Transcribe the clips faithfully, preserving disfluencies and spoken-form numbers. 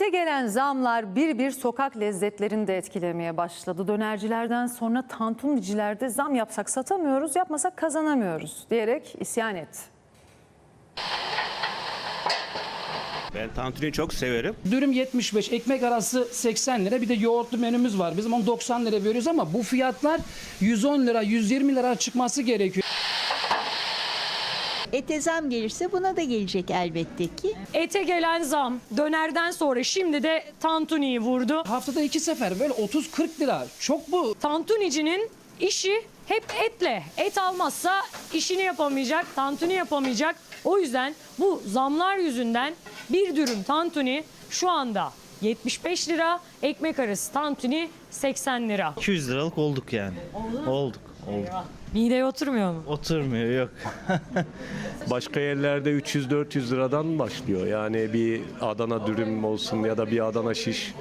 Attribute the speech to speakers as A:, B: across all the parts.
A: Yeni gelen zamlar bir bir sokak lezzetlerini de etkilemeye başladı. Dönercilerden sonra tantunicilerde zam yapsak satamıyoruz, yapmasak kazanamıyoruz diyerek isyan etti.
B: Ben tantuniyi çok severim.
C: Dürüm yetmiş beş, ekmek arası seksen lira, bir de yoğurtlu menümüz var. Bizim onu doksan lira veriyoruz ama bu fiyatlar yüz on lira, yüz yirmi lira çıkması gerekiyor.
D: Ete zam gelirse buna da gelecek elbette ki.
E: Ete gelen zam dönerden sonra şimdi de tantuniyi vurdu.
C: Haftada iki sefer böyle otuz kırk lira. Çok bu.
E: Tantunicinin işi hep etle. Et almazsa işini yapamayacak, tantuni yapamayacak. O yüzden bu zamlar yüzünden bir dürüm tantuni şu anda yetmiş beş lira, ekmek arası tantuni seksen lira.
F: iki yüz liralık olduk yani. Olduk. Olduk.
E: Mideye oturmuyor mu?
F: Oturmuyor, yok.
G: Başka yerlerde üç yüz dört yüz liradan başlıyor. Yani bir Adana dürüm olsun ya da bir Adana şiş.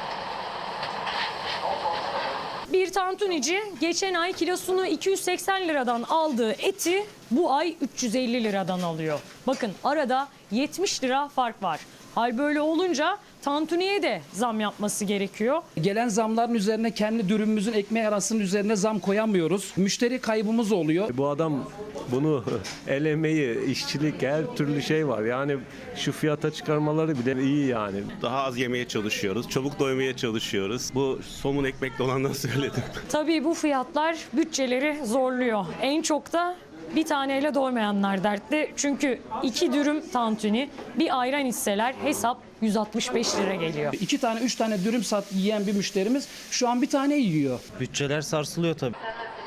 E: Bir tantunici geçen ay kilosunu iki yüz seksen liradan aldığı eti bu ay üç yüz elli liradan alıyor. Bakın arada yetmiş lira fark var. Hal böyle olunca tantuniye de zam yapması gerekiyor.
C: Gelen zamların üzerine kendi dürümümüzün ekmeği arasının üzerine zam koyamıyoruz. Müşteri kaybımız oluyor.
G: Bu adam bunu el emeği, işçilik, her türlü şey var. Yani şu fiyata çıkarmaları bile iyi yani.
B: Daha az yemeye çalışıyoruz, çabuk doymaya çalışıyoruz. Bu somun ekmekle olandan söyledim.
E: Tabii bu fiyatlar bütçeleri zorluyor. En çok da bir taneyle doymayanlar dertli. Çünkü iki dürüm tantuni, bir ayran içseler hesap yüz altmış beş lira geliyor.
C: İki tane, üç tane dürüm sat yiyen bir müşterimiz şu an bir tane yiyor.
F: Bütçeler sarsılıyor tabii.